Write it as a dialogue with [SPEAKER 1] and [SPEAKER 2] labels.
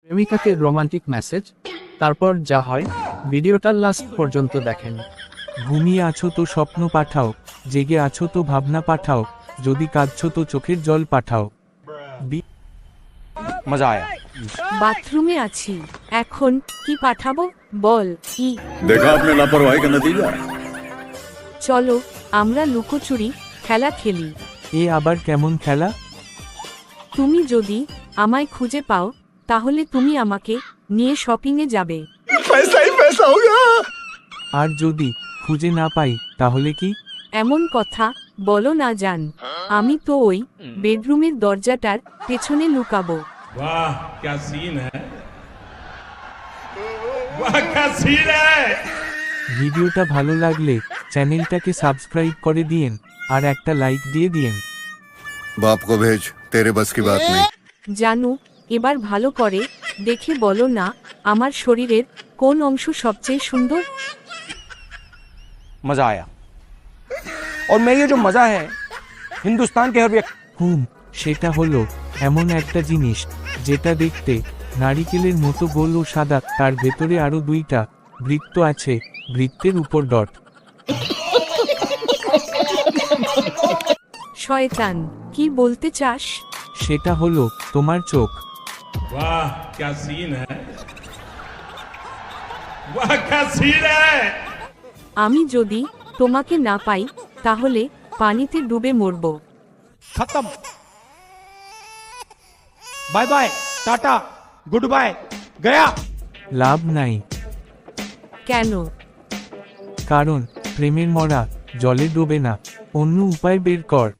[SPEAKER 1] প্রেমিকাকে romantic message, তারপর যা হয় ভিডিওটা লাস্ট পর্যন্ত দেখেন।
[SPEAKER 2] ঘুমিয়ে আছো তো স্বপ্ন পাঠাও, জেগে আছো তো ভাবনা পাঠাও, যদি কাঁদছো তো চোখের জল পাঠাও।
[SPEAKER 3] मजा आया।
[SPEAKER 4] বাথরুমে আছি, এখন কি পাঠাবো বল কি?
[SPEAKER 5] देखा आपने लापरवाही का नतीजा।
[SPEAKER 4] চলো আমরা লুকোচুরি খেলা খেলি।
[SPEAKER 2] এ আবার কেমন খেলা?
[SPEAKER 4] তুমি যদি আমায় খুঁজে পাও তাহলে তুমি আমাকে নিয়ে শপিংয়ে যাবে।
[SPEAKER 5] पैसा ही पैसा होगा।
[SPEAKER 2] আর যদি খুঁজে না পাই তাহলে কি?
[SPEAKER 4] এমন কথা বলো না জান, আমি তো ওই বেডরুমের দরজাটার পেছনে লুকাবো।
[SPEAKER 6] वाह क्या सीन है, वाह क्या सीन है।
[SPEAKER 2] ভিডিওটা ভালো লাগলে চ্যানেলটাকে সাবস্ক্রাইব করে দিয়েন আর একটা লাইক দিয়ে দিয়েন।
[SPEAKER 5] बाप को भेज, तेरे बस की बात नहीं।
[SPEAKER 4] জানু এবার ভালো করে দেখে বলো না আমার শরীরের কোন অংশ সবচেয়ে সুন্দর?
[SPEAKER 3] मजा आया। और मैं ये जो मजा है हिंदुस्तान के हर व्यक्ति
[SPEAKER 2] সেটা হলো এমন একটা জিনিস যেটা দেখতে নারিকেলের মতো গোল ও সাদা, তার ভেতরে আরো দুইটা বৃত্ত আছে, বৃত্তের উপর ডট।
[SPEAKER 4] শয়তান কি বলতে চাস?
[SPEAKER 2] সেটা হলো তোমার চোখ।
[SPEAKER 6] वाह क्या सीन है, वाह क्या सीन है।
[SPEAKER 4] আমি যদি তোমাকে না পাই তাহলে পানিতে ডুবে মরব।
[SPEAKER 3] खत्म। Bye bye, tata, good bye, गया।
[SPEAKER 2] লাভ নাই,
[SPEAKER 4] কেন?
[SPEAKER 2] কারণ প্রেমের মরা জলে ডোবে না, অন্য উপায় বের কর।